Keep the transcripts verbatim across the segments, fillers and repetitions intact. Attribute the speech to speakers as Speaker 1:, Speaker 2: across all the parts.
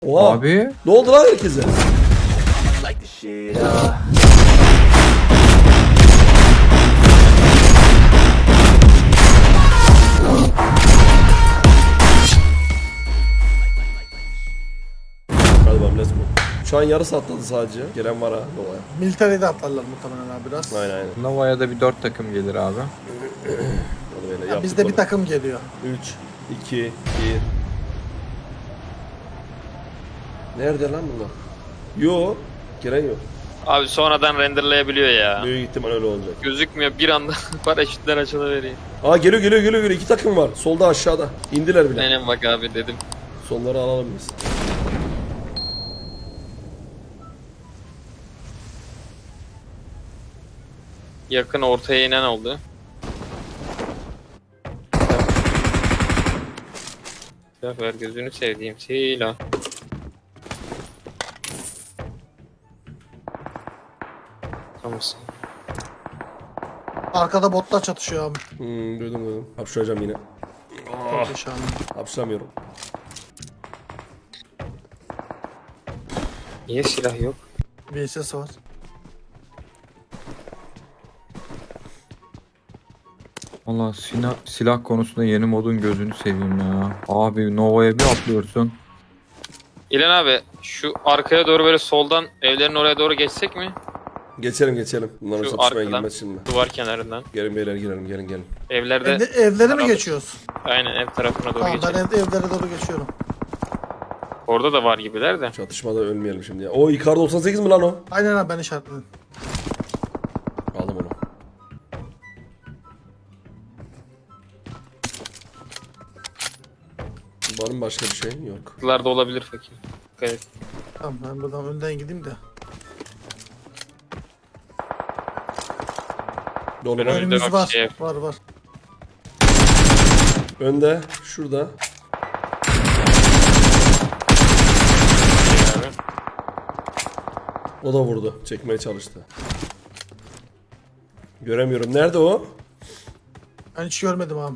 Speaker 1: Oha.
Speaker 2: Abi.
Speaker 1: Ne oldu lan herkese? Hadi bakalım, let's go. Şu an yarısı atladı sadece. Gelen var ha Nova'ya.
Speaker 3: Military'de atlarlar muhtemelen abi biraz.
Speaker 1: Aynen aynen.
Speaker 2: Nova'ya da bir dört takım gelir abi.
Speaker 1: Onu böyle
Speaker 3: Ya
Speaker 1: yaptık
Speaker 3: bizde bir
Speaker 1: onu.
Speaker 3: takım geliyor.
Speaker 1: üç, iki, bir. Nerede lan bunlar? Yo, gelen yok.
Speaker 4: Abi sonradan renderlayabiliyor ya.
Speaker 1: Büyük ihtimal öyle olacak.
Speaker 4: Gözükmüyor bir anda paraşütler açılıveriyor.
Speaker 1: Aa geliyor geliyor geliyor geliyor. İki takım var. Solda aşağıda. İndiler bile.
Speaker 4: Aynen bak abi dedim.
Speaker 1: Sonları alalım biz.
Speaker 4: Yakın ortaya inen oldu. Silah ver gözünü sevdiğim silah. Tamam.
Speaker 3: Arkada botlar çatışıyor abi.
Speaker 1: Hmm, duydum duydum. Hapşıracağım yine.
Speaker 3: Çok yaşandı.
Speaker 1: Hapşıramıyorum.
Speaker 4: Niye silah yok?
Speaker 3: V S S var.
Speaker 2: Valla silah, silah konusunda yeni modun gözünü seveyim ya. Abi Nova'ya bir atlıyorsun.
Speaker 4: İlan abi şu arkaya doğru böyle soldan evlerin oraya doğru geçsek mi?
Speaker 1: Geçelim geçelim. Bunların
Speaker 4: Şu
Speaker 1: çatışmaya
Speaker 4: arkadan.
Speaker 1: girmez şimdi.
Speaker 4: Duvar kenarından.
Speaker 1: Gelin beyler girelim gelin gelin.
Speaker 4: Evlerde
Speaker 3: Evde, evleri mi
Speaker 4: Beraber.
Speaker 3: geçiyoruz?
Speaker 4: aynen ev tarafına doğru
Speaker 3: Tamam ben
Speaker 4: geçelim.
Speaker 3: ev, evlere doğru geçiyorum.
Speaker 4: Orada da var gibiler de.
Speaker 1: Çatışmada ölmeyelim şimdi ya. O Icar doksan sekiz mi lan o?
Speaker 3: Aynen abi ben işaretledim.
Speaker 1: Aldım onu. Var mı başka bir şey? Yok.
Speaker 4: Kutularda olabilir fakir. Evet.
Speaker 3: Tamam ben buradan önden gideyim de.
Speaker 1: Dolu
Speaker 4: Önümüzde
Speaker 1: var.
Speaker 3: Önümüz
Speaker 4: bak
Speaker 3: var.
Speaker 4: şey-
Speaker 3: Var var.
Speaker 1: Önde. Şurada.
Speaker 4: Abi.
Speaker 1: O da vurdu. Çekmeye çalıştı. Göremiyorum. Nerede o?
Speaker 3: Ben hiç görmedim abi.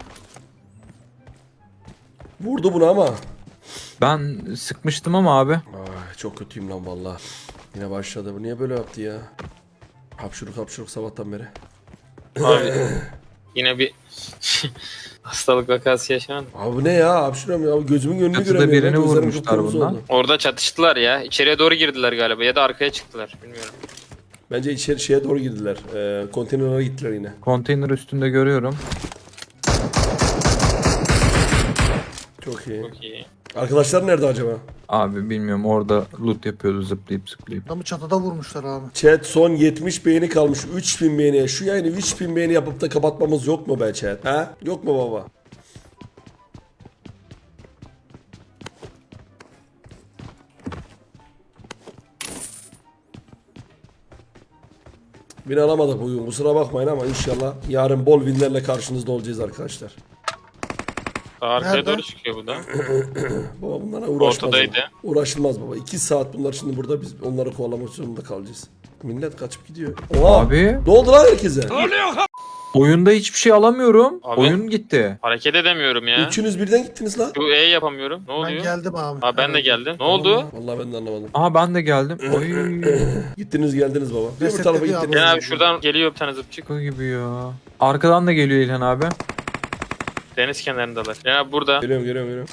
Speaker 1: Vurdu bunu ama.
Speaker 2: Ben sıkmıştım ama abi.
Speaker 1: Ay, çok kötüyüm lan valla. Yine başladı. Bu niye böyle yaptı ya? Hapşuruk hapşuruk sabahtan beri.
Speaker 4: Abi yine bir hastalık vakası yaşandı.
Speaker 1: Abi bu ne ya? Hapşuruyorum ya. Gözümün önünü
Speaker 2: Çatıda
Speaker 1: göremiyorum.
Speaker 2: birini
Speaker 1: Gözlerim
Speaker 2: vurmuşlar
Speaker 1: kıpkırmızı
Speaker 2: bundan.
Speaker 1: oldu.
Speaker 4: Orada çatıştılar ya. İçeriye doğru girdiler galiba ya da arkaya çıktılar. Bilmiyorum.
Speaker 1: Bence içeri şeye doğru girdiler. Ee, konteynerlara gittiler yine.
Speaker 2: Konteyner üstünde görüyorum.
Speaker 1: Çok iyi.
Speaker 4: Çok iyi.
Speaker 1: Arkadaşlar nerede acaba?
Speaker 2: Abi bilmiyorum, orada loot yapıyordu zıplayıp zıplayıp.
Speaker 3: Adamı çatıda vurmuşlar abi.
Speaker 1: Chat son yetmiş beğeni kalmış. üç bin beğeni. Şu yayını üç bin beğeni yapıp da kapatmamız yok mu be chat? Ha? Yok mu baba? Bin alamadık bugün. Kusura bakmayın ama inşallah yarın bol winlerle karşınızda olacağız arkadaşlar.
Speaker 4: Arkaya
Speaker 3: Nerede?
Speaker 4: doğru çıkıyor bu da.
Speaker 1: Baba bunlara uğraşmaz.
Speaker 4: Ortadaydı.
Speaker 1: Uğraşılmaz baba. iki saat bunlar şimdi burada, biz onları kovalamak zorunda kalacağız. Millet kaçıp gidiyor. Oha!
Speaker 2: Abi
Speaker 1: Ne oldu lan herkese?
Speaker 2: oyunda hiçbir şey alamıyorum.
Speaker 4: Abi.
Speaker 2: Oyun gitti.
Speaker 4: Hareket edemiyorum ya.
Speaker 1: Üçünüz birden gittiniz lan.
Speaker 4: Şu E yapamıyorum. Ne
Speaker 3: Ben
Speaker 4: oluyor?
Speaker 3: geldim abi.
Speaker 4: Ha ben de
Speaker 3: Evet.
Speaker 4: geldim. Ne oldu?
Speaker 1: Vallahi ben de anlamadım.
Speaker 2: Aha ben de geldim. Oy.
Speaker 1: Gittiniz geldiniz baba. Bir öbür
Speaker 3: Resetledi
Speaker 1: tarafa
Speaker 3: abi.
Speaker 1: gittiniz.
Speaker 4: İlhan abi şuradan geliyor bir tane zıpçık.
Speaker 2: Şaka gibi ya. Arkadan da geliyor İlhan abi.
Speaker 4: Deniz kenarındalar. İlhan abi burada.
Speaker 1: Geliyorum geliyorum geliyorum.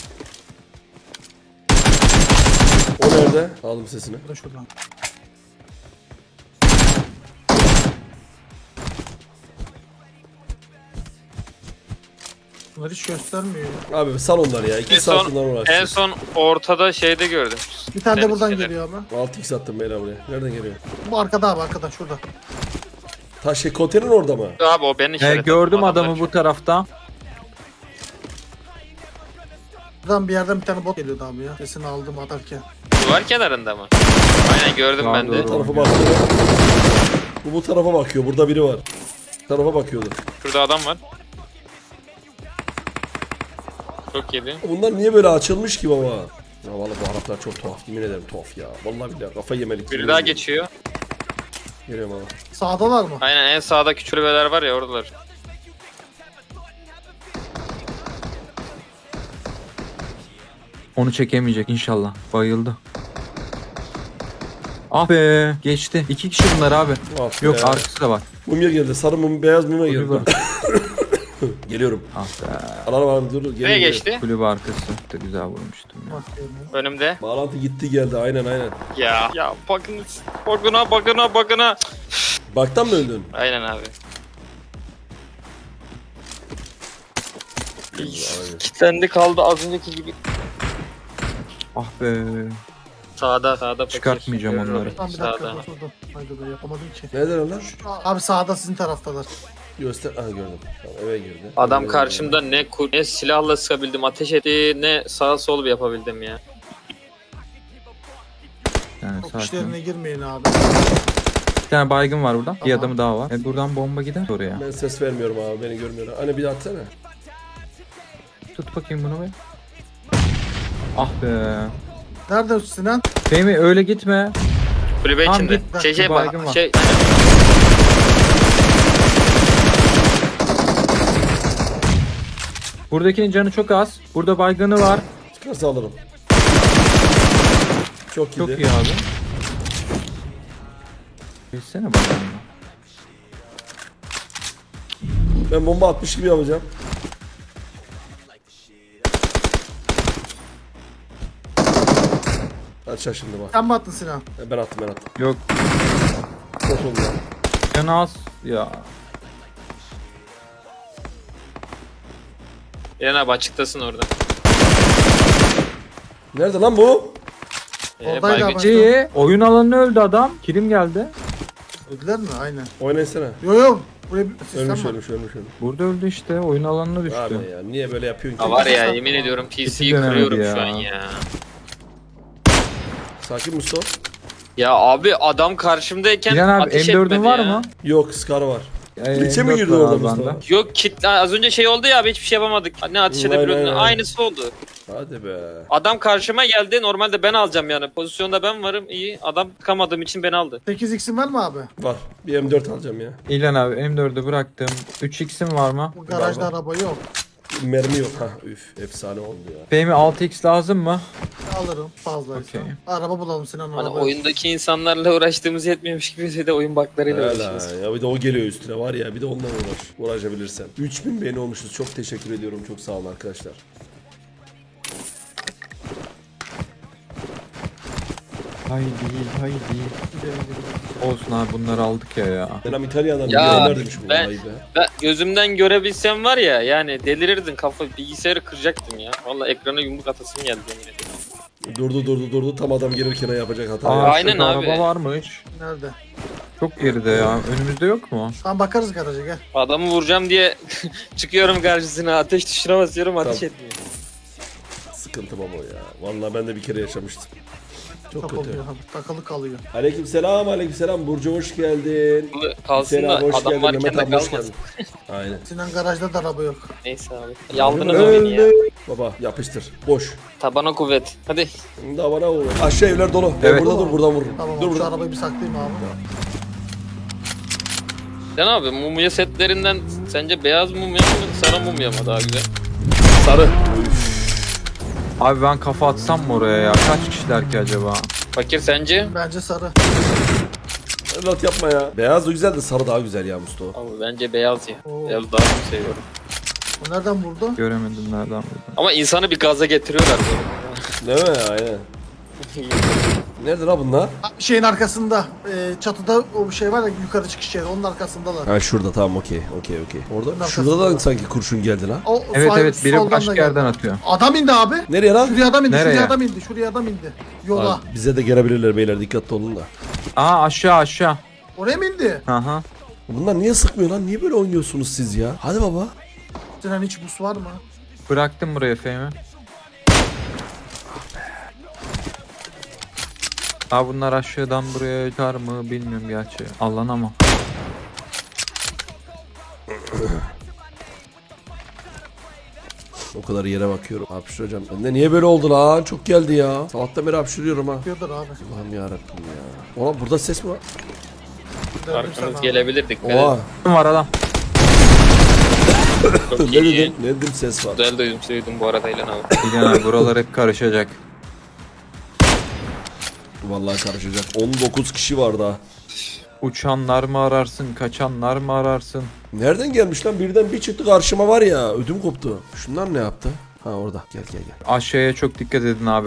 Speaker 1: O nerede? Aldım sesini.
Speaker 3: Bu da şuradan. Bunlar hiç göstermiyor ya.
Speaker 1: Abi sal onları ya. iki
Speaker 4: En
Speaker 1: saat
Speaker 4: son,
Speaker 1: bundan
Speaker 4: en
Speaker 1: uğraşacağız.
Speaker 4: son ortada şeyde gördüm.
Speaker 3: Bir tane de
Speaker 4: Deniz
Speaker 3: buradan
Speaker 4: kenarı.
Speaker 3: geliyor ama.
Speaker 1: altı x attım beyler buraya. Nereden geliyor?
Speaker 3: Bu arkada abi arkada şurada.
Speaker 1: Ta şey konteyner orada mı?
Speaker 4: Abi o benim
Speaker 2: He,
Speaker 4: işaretim.
Speaker 2: gördüm
Speaker 4: Adamlar
Speaker 2: adamı bu tarafta.
Speaker 3: Buradan bir yerden bir tane bot geliyordu abi ya. Sesini aldım atarken.
Speaker 4: Duvar kenarında mı? Aynen gördüm
Speaker 2: Sağa
Speaker 4: ben de.
Speaker 2: doğru.
Speaker 1: Bu tarafa bakıyor. Bu bu tarafa bakıyor. Burada biri var. Bu tarafa bakıyordu.
Speaker 4: Şurada adam var. Çok yedi.
Speaker 1: Bunlar niye böyle açılmış ki baba? Ya vallahi bu Araplar çok tuhaf. Yemin ederim tuhaf ya. Vallahi billahi kafa yemelik.
Speaker 4: Biri daha geçiyor.
Speaker 1: Geliyorum abi.
Speaker 3: Sağdalar mı?
Speaker 4: Aynen en sağda küçülmeler var ya oradalar.
Speaker 2: Onu çekemeyecek inşallah. Bayıldı. Ah be geçti. İki kişi bunlar abi.
Speaker 1: Ah
Speaker 2: Yok
Speaker 1: be.
Speaker 2: arkası da var.
Speaker 1: Mumya geldi. Sarı mum, beyaz mumya geldi.
Speaker 2: Kulübe,
Speaker 1: Geliyorum.
Speaker 2: ah be.
Speaker 1: Alalım alalım dur. dur.
Speaker 4: Nereye
Speaker 1: Geliyorum,
Speaker 4: geçti?
Speaker 2: Kulübe arkası da güzel vurmuştum ya.
Speaker 3: Bak yani.
Speaker 4: Önümde.
Speaker 1: geliyorum. Bağlantı gitti geldi. Aynen aynen.
Speaker 4: Ya. Ya bakınız. Bakına bakına bakına.
Speaker 1: Baktan mı öldün?
Speaker 4: Aynen abi.
Speaker 1: Aynen.
Speaker 4: Kitlendi kaldı az önceki gibi.
Speaker 2: Ah be.
Speaker 4: Sağda sağda. fakir.
Speaker 2: Çıkartmayacağım
Speaker 4: Görüyorum.
Speaker 2: onları.
Speaker 3: Tamam bir dakika
Speaker 4: Sağda.
Speaker 3: dur dur. Haydi be yapamadım ki.
Speaker 1: Nereden lan?
Speaker 3: Abi sağda sizin taraftalar.
Speaker 1: Göster. Aha gördüm. Tamam, eve girdi.
Speaker 4: Adam
Speaker 1: Eve
Speaker 4: karşımda ne kur ne silahla sıkabildim, ateş etti, ne sağ sol yapabildim ya.
Speaker 2: Yani
Speaker 3: Çok
Speaker 2: sakin.
Speaker 3: işlerine girmeyin abi.
Speaker 2: Bir tane baygın var buradan. Bir
Speaker 3: Tamam.
Speaker 2: adamı daha var. E buradan bomba gider oraya.
Speaker 1: Ben ses vermiyorum abi. Beni görmüyorlar. Hani bir de atsana.
Speaker 2: Tut bakayım bunu be. Ah be.
Speaker 3: Nerede Sinan?
Speaker 2: Fehmi öyle gitme.
Speaker 4: Kulübe
Speaker 2: Tamam,
Speaker 4: içinde.
Speaker 2: git.
Speaker 4: Şey şey
Speaker 2: Bir baygın var.
Speaker 4: bak. Şey
Speaker 2: Buradakinin canı çok az. Burada baygını var.
Speaker 1: Çıkarsa alırım. Çok iyi.
Speaker 2: Çok iyi abi. Geçsene bakalım.
Speaker 1: Ben bomba atmış gibi yapacağım. Aç şimdi bak.
Speaker 3: Sen mi attın Sinan?
Speaker 1: Ben attım ben attım.
Speaker 2: Yok
Speaker 1: Nasıl oldu lan?
Speaker 2: canı az. Ya.
Speaker 4: İlhan abi açıktasın orada.
Speaker 1: Nerede lan bu?
Speaker 4: Ee,
Speaker 3: Oradaydı
Speaker 4: baygın
Speaker 3: abi.
Speaker 4: çıktı.
Speaker 2: İyi. Oyun alanına öldü adam. Kilim geldi.
Speaker 3: Öldüler mi? Aynen.
Speaker 1: Oynasana.
Speaker 3: Yo yo. Buraya bir sistem
Speaker 1: Ölmüş
Speaker 3: var.
Speaker 1: ölmüş ölmüş ölmüş.
Speaker 2: Burada öldü işte. Oyun alanına düştü.
Speaker 1: Abi ya niye böyle yapıyorsun ki?
Speaker 4: Ha var ya yemin ediyorum P C'yi
Speaker 2: dönemedi
Speaker 4: kırıyorum
Speaker 2: ya.
Speaker 4: şu an ya.
Speaker 1: Sakin Mustafa.
Speaker 4: Ya abi adam karşımdayken
Speaker 2: İlhan abi
Speaker 4: ateş
Speaker 2: M dördün
Speaker 4: etmedi
Speaker 2: var
Speaker 4: ya.
Speaker 2: mı?
Speaker 1: Yok Scar var.
Speaker 2: Ee,
Speaker 1: İçe mi
Speaker 2: M dört
Speaker 1: girdi
Speaker 2: var
Speaker 1: orada
Speaker 2: abi
Speaker 1: Mustafa?
Speaker 2: bende.
Speaker 4: Yok kitle az önce şey oldu ya abi hiçbir şey yapamadık. Ne ateş
Speaker 1: Aynen,
Speaker 4: edebiliyordun
Speaker 1: aynen.
Speaker 4: aynısı oldu.
Speaker 1: Hadi be.
Speaker 4: Adam karşıma geldi normalde ben alacağım yani pozisyonda ben varım iyi adam tıkamadığım için beni aldı.
Speaker 3: sekiz x'in var mı abi?
Speaker 1: Var. Bir M dört alacağım ya.
Speaker 2: İlhan abi M dördü bıraktım. üç x'im var mı?
Speaker 3: Bu garajda
Speaker 1: Var, var.
Speaker 3: araba yok.
Speaker 1: Mermi yok. Ha üf efsane oldu ya.
Speaker 2: Fehmi altı x lazım mı?
Speaker 3: Alırım fazlaysa.
Speaker 2: Okey.
Speaker 3: Araba bulalım Sinan
Speaker 4: Hani
Speaker 3: araba.
Speaker 4: oyundaki insanlarla uğraştığımız yetmiyormuş gibi de oyun baklarıyla
Speaker 1: Hala
Speaker 4: uğraşıyoruz.
Speaker 1: ya bir de o geliyor üstüne var ya bir de onunla uğraş. Uğraşabilirsen. üç bin beğeni olmuşuz. Çok teşekkür ediyorum. Çok sağ olun arkadaşlar.
Speaker 2: Haydi haydi. Olsun abi bunları aldık ya ya.
Speaker 1: Selam İtalya'dan.
Speaker 4: Ya,
Speaker 1: Ya, demiş bu
Speaker 4: ben-
Speaker 1: olayı be.
Speaker 4: Ben gözümden görebilsem var ya yani delirirdin kafa bilgisayarı kıracaktım ya. Valla ekrana yumruk atasım geldi yemin ediyorum.
Speaker 1: Durdu durdu durdu. Tam adam gelirken yapacak hata.
Speaker 2: Aa,
Speaker 4: Aynen
Speaker 2: şurada
Speaker 4: abi.
Speaker 2: araba varmış.
Speaker 3: Nerede?
Speaker 2: Çok geride ya. Önümüzde yok mu?
Speaker 3: Tamam bakarız garaja gel.
Speaker 4: Adamı vuracağım diye çıkıyorum karşısına ateş tuşuna basıyorum ateş
Speaker 1: Tamam.
Speaker 4: etmiyor.
Speaker 1: Sıkıntı baba ya. Vallahi ben de bir kere yaşamıştım. Çok
Speaker 3: Çok
Speaker 1: kötü.
Speaker 3: oluyor abi. Takılı kalıyor.
Speaker 1: Aleyküm selam aleyküm selam. Burcu hoş geldin.
Speaker 4: Kalsın
Speaker 1: Selam
Speaker 4: da
Speaker 1: hoş
Speaker 4: adam
Speaker 1: geldin.
Speaker 4: varken
Speaker 1: Mehmet
Speaker 4: de
Speaker 1: abi hoş
Speaker 4: kalmasın.
Speaker 1: geldin. Aynen.
Speaker 3: Sinan garajda da araba yok.
Speaker 4: Neyse abi. Yaldınız o beni ya.
Speaker 1: Baba yapıştır. Boş.
Speaker 4: Tabana kuvvet. Hadi.
Speaker 1: Daha bana vur. Aşağı evler dolu. Ben
Speaker 2: Evet.
Speaker 1: burada dur buradan vururum.
Speaker 3: Tamam
Speaker 1: dur
Speaker 3: abi, şu
Speaker 1: burada.
Speaker 3: arabayı bir saklayayım abi.
Speaker 4: Sen abi mumya setlerinden sence beyaz mumya mı sarı mumya mı daha güzel?
Speaker 1: Sarı. Üf.
Speaker 2: Abi ben kafa atsam mı oraya ya? Kaç kişiler ki acaba?
Speaker 4: Fakir sence?
Speaker 3: Bence sarı.
Speaker 1: Evlat yapma ya. Beyaz da güzel de sarı daha güzel ya Mustafa.
Speaker 4: Abi bence beyaz ya.
Speaker 3: Oo.
Speaker 4: Beyaz daha çok seviyorum.
Speaker 3: O nereden vurdu?
Speaker 2: Göremedim nereden vurdu.
Speaker 4: Ama insanı bir gaza getiriyorlar böyle.
Speaker 1: Değil mi? Aynen. Nerede la bunlar?
Speaker 3: Şeyin arkasında. E, çatıda o bir şey var ya yukarı çıkış yeri. Onun arkasındalar.
Speaker 1: Ha şurada tamam okey okey okey. Orada
Speaker 3: Bunun
Speaker 1: şurada da
Speaker 3: arkasında.
Speaker 1: sanki kurşun geldi la.
Speaker 3: O,
Speaker 2: Evet
Speaker 3: sağ-
Speaker 2: evet biri
Speaker 3: soldan da
Speaker 2: başka
Speaker 3: geldi.
Speaker 2: yerden atıyor.
Speaker 3: Adam indi abi.
Speaker 1: Nereye lan?
Speaker 3: Şuraya adam indi.
Speaker 2: Nereye?
Speaker 3: Şuraya adam indi. Şuraya adam indi. Yola.
Speaker 1: Abi, bize de gelebilirler beyler dikkatli olun da.
Speaker 2: Aa aşağı aşağı.
Speaker 3: Oraya mı indi?
Speaker 2: Aha.
Speaker 1: Bunlar niye sıkmıyor lan? Niye böyle oynuyorsunuz siz ya? Hadi baba.
Speaker 3: Sinan hiç bus var mı?
Speaker 2: Bıraktım buraya Fehmi. Aa bunlar aşağıdan buraya çıkar mı bilmiyorum gerçi. Allah'ın ama.
Speaker 1: O kadar yere bakıyorum. Hapşıracağım. Ben de niye böyle oldu lan? Çok geldi ya. Sabahtan beri hapşırıyorum ha.
Speaker 3: Yapıyordur abi.
Speaker 1: Allah'ım yarabbim ya. Oğlum burada ses mi var?
Speaker 3: Döndüm sana
Speaker 4: Arkanız
Speaker 3: abi.
Speaker 4: gelebilir dikkat
Speaker 1: Oha.
Speaker 4: edin.
Speaker 2: Var adam.
Speaker 4: Çok
Speaker 1: ne
Speaker 4: iyi.
Speaker 1: dedim? Ne dedim ses var.
Speaker 4: Güzel duydum, duydum bu arada İlhan abi.
Speaker 2: İlhan abi buralar hep karışacak.
Speaker 1: Vallahi karışacak. on dokuz kişi var daha.
Speaker 2: Uçanlar mı ararsın, kaçanlar mı ararsın?
Speaker 1: Nereden gelmiş lan? Birden bir çıktı karşıma var ya. Ödüm koptu. Şunlar ne yaptı? Ha orada. Gel gel gel.
Speaker 2: Aşağıya çok dikkat edin abi.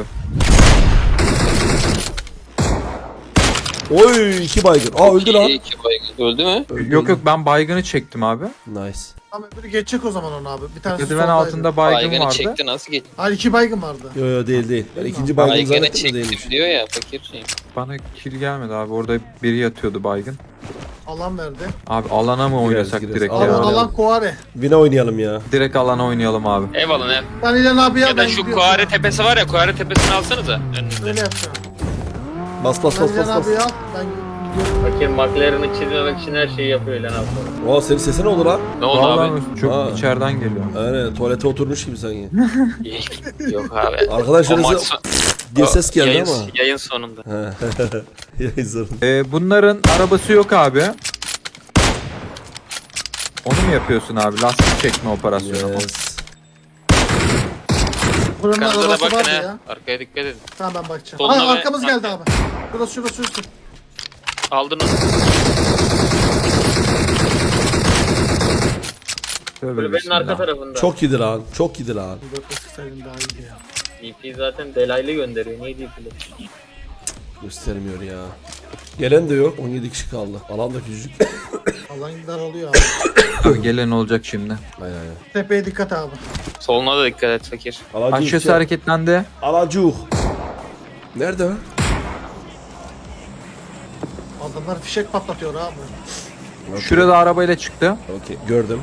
Speaker 1: Oy iki baygın. Aa öldü lan.
Speaker 4: İyi, iki baygın. Öldü mü?
Speaker 1: Öldü,
Speaker 2: Yok
Speaker 1: öldü.
Speaker 2: yok ben baygını çektim abi.
Speaker 1: Nice.
Speaker 3: Tamam öbürü geçecek o zaman onu abi. Bir tanesi
Speaker 2: Merdiven
Speaker 3: soldaydı.
Speaker 2: altında baygın
Speaker 4: Baygını
Speaker 2: vardı.
Speaker 4: çekti, nasıl geç?
Speaker 3: Hayır iki baygın vardı.
Speaker 1: Yo yo değil değil. Ben
Speaker 3: Değil mi?
Speaker 1: ikinci baygın
Speaker 4: Baygını
Speaker 1: zannettim de
Speaker 4: çektim
Speaker 1: değilmiş.
Speaker 4: diyor ya fakir şey.
Speaker 2: Bana kill gelmedi abi. Orada biri yatıyordu baygın.
Speaker 3: Alan verdi.
Speaker 2: Abi alana mı
Speaker 1: Gireriz,
Speaker 2: oynasak
Speaker 1: gireriz.
Speaker 2: direkt
Speaker 3: Alan
Speaker 2: ya?
Speaker 1: oynayalım.
Speaker 3: alan Kuare.
Speaker 1: Vine oynayalım ya.
Speaker 2: Direkt alana oynayalım abi.
Speaker 4: Eyvallah ne?
Speaker 3: Ben İlhan abi ya,
Speaker 4: Ya
Speaker 3: ben
Speaker 4: da şu
Speaker 3: gidiyorum.
Speaker 4: Kuare tepesi var ya, Kuare tepesini alsanıza. Önünüze.
Speaker 3: Öyle yapacağım.
Speaker 1: Bas bas
Speaker 3: Ben
Speaker 1: bas bas
Speaker 3: İlhan
Speaker 1: bas.
Speaker 3: abi al. Ben gidiyorum.
Speaker 4: Fakir McLaren'ı çizmemek için her şeyi yapıyor İlhan abi.
Speaker 1: Aa senin sesin ne oldu lan?
Speaker 4: Ne oldu
Speaker 2: Vallahi
Speaker 4: abi?
Speaker 2: çok
Speaker 1: Aa.
Speaker 2: içeriden geliyor.
Speaker 1: Aynen tuvalete oturmuş gibi sanki.
Speaker 4: Yok abi.
Speaker 1: Arkadaşlar
Speaker 4: O maç
Speaker 1: size
Speaker 4: son-
Speaker 1: diye ses geldi
Speaker 4: yayın,
Speaker 1: ama.
Speaker 4: Yayın sonunda.
Speaker 1: Yayın sonunda.
Speaker 2: Ee, bunların arabası yok abi. Onu mu yapıyorsun abi? Lastik çekme operasyonu.
Speaker 1: Yes.
Speaker 3: Buranın
Speaker 4: Arkanıza da
Speaker 3: arabası
Speaker 4: bakın
Speaker 3: vardı
Speaker 4: he.
Speaker 3: ya.
Speaker 4: Arkaya dikkat edin.
Speaker 3: Tamam ben bakacağım.
Speaker 4: Soluna
Speaker 3: Aa
Speaker 4: ve-
Speaker 3: arkamız geldi abi. Şurası şurası şurası.
Speaker 4: Aldınız.
Speaker 2: Tövbe
Speaker 4: Kulübenin
Speaker 2: bismillah.
Speaker 4: arka tarafında.
Speaker 1: Çok iyiydi lan. çok iyiydi lan.
Speaker 3: dört beş saydım daha iyiydi ya.
Speaker 4: D P zaten delaylı gönderiyor. Niye D P'li?
Speaker 1: Göstermiyor ya. Gelen de yok. on yedi kişi kaldı. Alan da küçücük.
Speaker 3: Alan daralıyor abi.
Speaker 2: Abi gelen olacak şimdi.
Speaker 1: Aynen aynen.
Speaker 3: Tepeye dikkat abi.
Speaker 4: Soluna da dikkat et fakir.
Speaker 1: Alacuk.
Speaker 2: Aşağısı hareketlendi.
Speaker 1: Alacuk. Nerede o?
Speaker 3: Adamlar fişek patlatıyor abi.
Speaker 1: Okey.
Speaker 2: Şurada arabayla çıktı.
Speaker 1: Okey. Gördüm.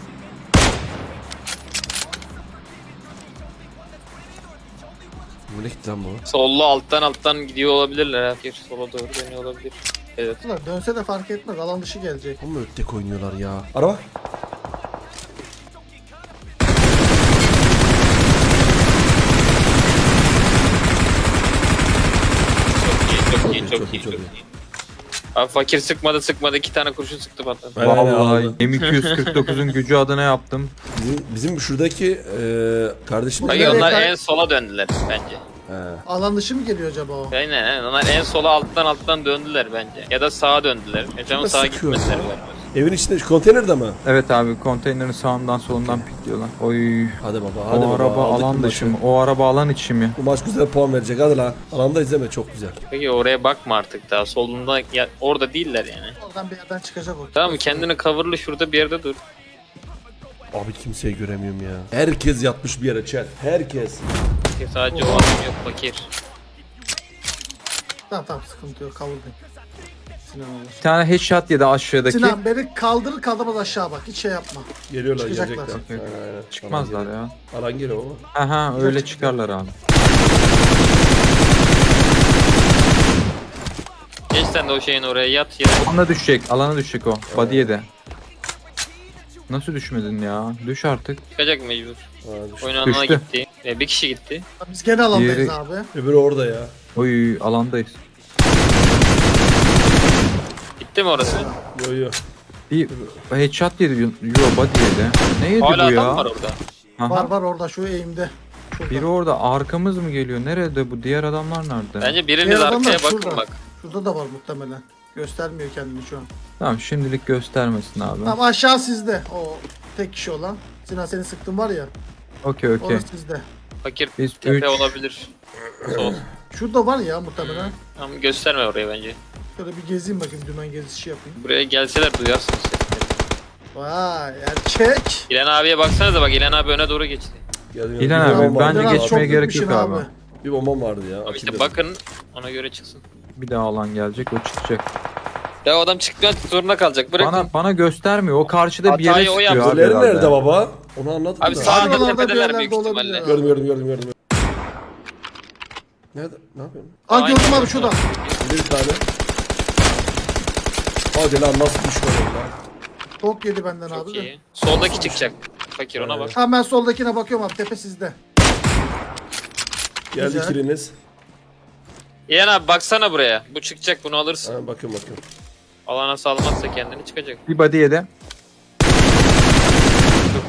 Speaker 1: Nereye gitti lan bu?
Speaker 4: Sollu alttan alttan gidiyor olabilirler. Fakir sola doğru dönüyor olabilir. Evet.
Speaker 3: Ulan dönse de fark etmez. Alan dışı gelecek.
Speaker 1: Ama öttek oynuyorlar ya. Araba.
Speaker 4: Çok iyi, çok iyi, çok iyi, çok iyi. Abi fakir sıkmadı sıkmadı. iki tane kurşun sıktı patladı.
Speaker 1: Aynen, aynen,
Speaker 2: Vallahi
Speaker 1: aldı.
Speaker 2: M iki yüz kırk dokuzun gücü adına yaptım.
Speaker 1: Bizim, bizim şuradaki eee kardeşim.
Speaker 4: Hayır
Speaker 3: Nereye
Speaker 4: onlar
Speaker 3: kay-
Speaker 4: en sola döndüler bence.
Speaker 1: He.
Speaker 3: Alan dışı mı geliyor acaba o?
Speaker 4: Aynen aynen. Onlar en sola alttan alttan döndüler bence. Ya da sağa döndüler. Yaşamın sağa
Speaker 1: sıkıyor
Speaker 4: gitmediler
Speaker 1: ya?
Speaker 4: galiba.
Speaker 1: Evin içinde konteynerde mi?
Speaker 2: Evet abi konteynerin sağından solundan pikliyorlar. Oy.
Speaker 1: Hadi baba hadi
Speaker 2: O
Speaker 1: baba.
Speaker 2: araba
Speaker 1: aldık bu
Speaker 2: alan
Speaker 1: maçı.
Speaker 2: dışı mı? O araba alan içi mi?
Speaker 1: Bu maç güzel puan verecek hadi lan. Alanda izleme çok güzel.
Speaker 4: Peki oraya bakma artık daha. Solunda ya, orada değiller yani.
Speaker 3: Oradan bir yerden çıkacak o.
Speaker 4: Tamam mı? Kendini coverlı şurada bir yerde dur.
Speaker 1: Abi kimseyi göremiyorum ya. Herkes yatmış bir yere chat. Herkes.
Speaker 4: Ki sadece o adam yok fakir.
Speaker 3: Tamam tamam sıkıntı yok. Kavurdayım. Sinan olur.
Speaker 2: Bir tane headshot yedi aşağıdaki.
Speaker 3: Sinan beni kaldırır kaldırmaz aşağı bak. Hiç şey yapma.
Speaker 1: Geliyorlar
Speaker 3: Çıkacaklar.
Speaker 1: gelecekler.
Speaker 2: Yok, yok.
Speaker 1: Aynen, aynen.
Speaker 2: Çıkmazlar
Speaker 1: Alan geliyor.
Speaker 2: ya.
Speaker 1: Alan geliyor baba.
Speaker 2: Aha öyle çıkarlar abi.
Speaker 4: Geç sen de o şeyin oraya yat yere.
Speaker 2: Alana düşecek. Alana düşecek o. Body'ye de. Nasıl düşmedin ya? Düş artık.
Speaker 4: Çıkacak mecbur.
Speaker 1: Ha, düştü.
Speaker 4: Oyun alanına
Speaker 2: Düştü.
Speaker 4: gitti. E, bir kişi gitti.
Speaker 3: Biz gene alandayız
Speaker 2: Diğeri-
Speaker 3: abi.
Speaker 1: Öbürü orada ya.
Speaker 2: Oy alandayız.
Speaker 4: Gitti mi orası?
Speaker 1: Yo yo.
Speaker 2: Bir headshot yedi. Yo body yedi. Ne yedi
Speaker 4: Hala
Speaker 2: bu ya?
Speaker 4: adam var orada.
Speaker 2: Aha.
Speaker 3: Var var orada şu eğimde. Şurada.
Speaker 2: Biri orada arkamız mı geliyor? Nerede bu? Diğer adamlar nerede?
Speaker 4: Bence biriniz
Speaker 3: Diğer adamlar
Speaker 4: arkaya bakın
Speaker 3: şurada.
Speaker 4: bak.
Speaker 3: Şurada da var muhtemelen. Göstermiyor kendini şu an.
Speaker 2: Tamam şimdilik göstermesin abi.
Speaker 3: Tamam aşağı sizde. O tek kişi olan. Sinan seni sıktın var ya.
Speaker 2: Okey okey.
Speaker 3: Orası sizde.
Speaker 4: Fakir
Speaker 2: Biz
Speaker 4: tepe
Speaker 2: üç-
Speaker 4: olabilir. Sol.
Speaker 3: Şurada var ya muhtemelen.
Speaker 4: Ama gösterme oraya bence.
Speaker 3: Şöyle bir gezeyim bakayım dümen gezisi yapayım.
Speaker 4: Buraya gelseler duyarsınız sesleri.
Speaker 3: Vay erkek.
Speaker 4: İlhan abiye baksanıza bak İlhan abi öne doğru geçti.
Speaker 1: Geldim,
Speaker 2: İlhan
Speaker 1: geldim.
Speaker 2: abi,
Speaker 1: Bir bombam
Speaker 2: bence
Speaker 1: vardı.
Speaker 3: Biraz
Speaker 2: geçmeye
Speaker 3: çok
Speaker 2: gerek
Speaker 3: gitmişsin
Speaker 2: yok abi.
Speaker 1: Bir bombam vardı ya.
Speaker 4: Ama
Speaker 1: atayım
Speaker 4: işte
Speaker 1: dedim.
Speaker 4: bakın ona göre çıksın.
Speaker 2: Bir daha alan gelecek o çıkacak.
Speaker 4: Ya o adam çıkmak zorunda kalacak. Bırakın.
Speaker 2: Bana bana göstermiyor. O karşıda bir yere
Speaker 4: Hatayı o
Speaker 2: sıkıyor
Speaker 4: yaptı.
Speaker 2: abi
Speaker 1: Diğerleri
Speaker 2: herhalde.
Speaker 1: nerede baba? Onu anladım
Speaker 4: Abi
Speaker 1: da.
Speaker 4: sağ
Speaker 3: Şuralarda bir
Speaker 4: tepedeler
Speaker 3: yerlerde
Speaker 4: büyük
Speaker 3: olabilir
Speaker 4: ihtimalle.
Speaker 3: ya.
Speaker 1: Gördüm gördüm gördüm gördüm. Nerede? Ne yapıyorsun?
Speaker 3: Aa
Speaker 4: Aynen.
Speaker 3: gördüm abi şurada.
Speaker 1: Bir tane. Hadi lan nasıl düşman lan?
Speaker 3: Tok yedi benden abi
Speaker 4: Çok
Speaker 3: de.
Speaker 4: iyi. Soldaki çıkacak. Fakir ona bak.
Speaker 3: Tamam ben soldakine bakıyorum abi tepe sizde.
Speaker 1: Geldi
Speaker 3: Güzel.
Speaker 1: kiliniz.
Speaker 4: İlhan abi baksana buraya. Bu çıkacak bunu alırsın.
Speaker 1: Ha, bakın bakın.
Speaker 4: Alana salmazsa kendini çıkacak.
Speaker 2: Bir body yedi.
Speaker 4: Çok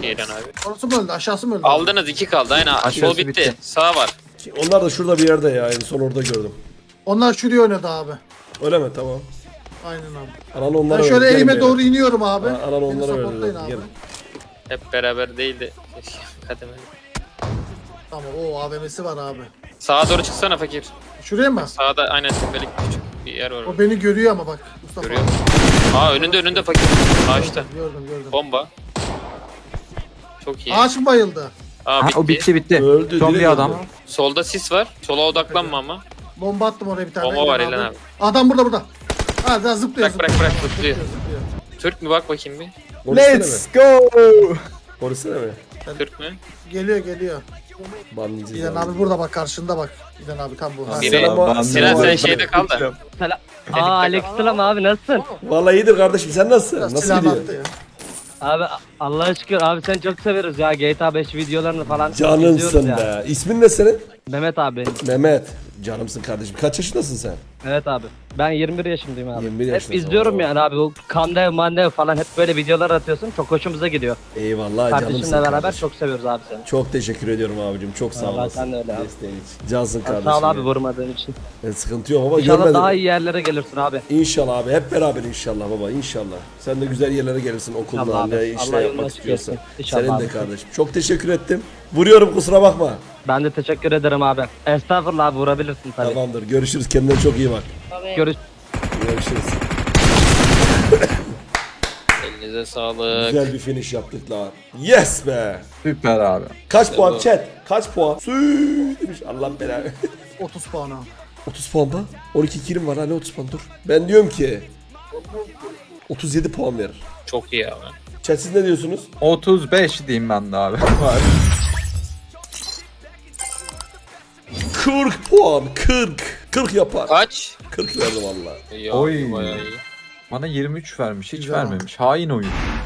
Speaker 4: iyi İlhan abi.
Speaker 3: Orası mı öldü? Aşağısı mı öldü?
Speaker 4: Aldınız iki kaldı aynen.
Speaker 2: Aşağısı
Speaker 4: Sol bitti.
Speaker 2: bitti.
Speaker 4: Sağ var.
Speaker 1: Onlar da şurada bir yerde ya. En son orada gördüm.
Speaker 3: Onlar şuraya oynadı abi.
Speaker 1: Öyle mi? Tamam.
Speaker 3: Aynen abi.
Speaker 1: Anan onlara
Speaker 3: Ben şöyle
Speaker 1: verdi. Gelin
Speaker 3: elime
Speaker 1: beyler.
Speaker 3: doğru iniyorum abi.
Speaker 1: Ha, anan
Speaker 3: Beni
Speaker 1: onlara
Speaker 3: supportlayın
Speaker 1: verdi.
Speaker 3: abi.
Speaker 1: Gelin.
Speaker 4: Hep beraber değil de. Keşke kademeli.
Speaker 3: Tamam o A V M'si var abi.
Speaker 4: Sağa doğru çıksana fakir.
Speaker 3: Şuraya mı?
Speaker 4: Sağda aynen tepelik küçük bir yer var.
Speaker 3: O beni görüyor ama bak. Mustafa.
Speaker 4: Görüyor musun? Aa önünde önünde fakir. Ağaçta.
Speaker 3: Gördüm gördüm.
Speaker 4: Bomba. Çok iyi.
Speaker 3: Ağaç mı bayıldı?
Speaker 4: Aa
Speaker 2: Ha,
Speaker 4: bitti.
Speaker 2: o bitti bitti.
Speaker 1: Öldü,
Speaker 2: Son
Speaker 1: direkt
Speaker 2: bir adam.
Speaker 1: öldü.
Speaker 4: Solda sis var. Sola odaklanma ama.
Speaker 3: Bomba attım oraya bir tane.
Speaker 4: Bomba var
Speaker 3: İlhan
Speaker 4: İlhan abi.
Speaker 3: Adam burada burada. Ha daha zıplıyor.
Speaker 4: Bırak, bırak,
Speaker 3: zıplıyor.
Speaker 4: bırak, zıplıyor.
Speaker 3: zıplıyor.
Speaker 4: Türk mü bak bakayım bir.
Speaker 1: Polisene mi?
Speaker 2: Let's go.
Speaker 1: Polisene mi?
Speaker 4: Türk mü?
Speaker 3: Geliyor geliyor.
Speaker 1: Banlayacağız
Speaker 3: İlhan
Speaker 1: abi.
Speaker 3: abi burada bak karşında bak. İlhan abi tam bu. Ha,
Speaker 4: Biri-
Speaker 1: Selam
Speaker 2: Ben-
Speaker 1: abi.
Speaker 4: Sinan sen
Speaker 1: Selam.
Speaker 4: şeyde kal da.
Speaker 5: Selam. Aa Aleykümselam abi nasılsın?
Speaker 1: Vallahi iyidir kardeşim. Sen nasılsın? Nasıl
Speaker 3: Silah
Speaker 1: gidiyor?
Speaker 3: attı ya.
Speaker 5: Abi Allah'a şükür abi sen çok severiz ya G T A beş videolarını falan izliyoruz
Speaker 1: Canımsın
Speaker 5: ya.
Speaker 1: be. İsmin ne senin?
Speaker 5: Mehmet abi.
Speaker 1: Mehmet. Canımsın kardeşim. Kaç yaşındasın sen?
Speaker 5: Evet abi. Ben yirmi bir yaşındayım abi.
Speaker 1: yirmi bir
Speaker 5: Hep
Speaker 1: yaşındasın,
Speaker 5: izliyorum
Speaker 1: oo.
Speaker 5: yani abi. O Kandev Mandev falan hep böyle videolar atıyorsun. Çok hoşumuza gidiyor.
Speaker 1: Eyvallah
Speaker 5: Kardeşimle
Speaker 1: canımsın
Speaker 5: beraber
Speaker 1: kardeşim.
Speaker 5: çok seviyoruz abi seni.
Speaker 1: Çok teşekkür ediyorum abicim. Çok sağ
Speaker 5: Vallahi
Speaker 1: olasın.
Speaker 5: sen de öyle abi.
Speaker 1: Desteğin için. Cansın
Speaker 5: Ya,
Speaker 1: kardeşim.
Speaker 5: Sağ ol abi
Speaker 1: ya.
Speaker 5: vurmadığın için.
Speaker 1: Ben sıkıntı yok ama
Speaker 5: İnşallah
Speaker 1: görmedim.
Speaker 5: daha iyi yerlere gelirsin abi.
Speaker 1: İnşallah abi. Hep beraber inşallah baba. İnşallah. Sen de güzel yerlere gelirsin okulda.
Speaker 5: İnşallah abi.
Speaker 1: Ne
Speaker 5: Allah
Speaker 1: işler
Speaker 5: yolunu
Speaker 1: yapmak
Speaker 5: açık
Speaker 1: istiyorsan.
Speaker 5: etsin. İnşallah
Speaker 1: Senin de
Speaker 5: abi.
Speaker 1: kardeşim. Çok teşekkür ettim. Vuruyorum kusura bakma.
Speaker 5: Ben de teşekkür ederim abi. Estağfurullah abi vurabilirsin tabii.
Speaker 1: Tamamdır. Görüşürüz. Kendine çok iyi bak.
Speaker 5: Görüş.
Speaker 1: Görüşürüz.
Speaker 4: Elinize sağlık.
Speaker 1: Güzel bir finish yaptık la. Yes be.
Speaker 2: Süper abi.
Speaker 1: Kaç
Speaker 4: İşte
Speaker 1: puan
Speaker 4: bu.
Speaker 1: chat? Kaç puan? Süüüü demiş. Allah belanı.
Speaker 3: otuz puan abi.
Speaker 1: otuz puan mı? on iki kilim var ha ne otuz puan dur. Ben diyorum ki otuz yedi puan verir.
Speaker 4: Çok iyi abi.
Speaker 1: Chat siz ne diyorsunuz?
Speaker 2: otuz beş diyeyim ben de abi.
Speaker 1: kırk puan. kırk. kırk yapar.
Speaker 4: Kaç?
Speaker 1: kırk verdim valla.
Speaker 4: İyi
Speaker 2: Oy.
Speaker 4: abi, bayağı iyi.
Speaker 2: Bana yirmi üç vermiş. Hiç
Speaker 3: Güzel
Speaker 2: vermemiş. Hain oyun.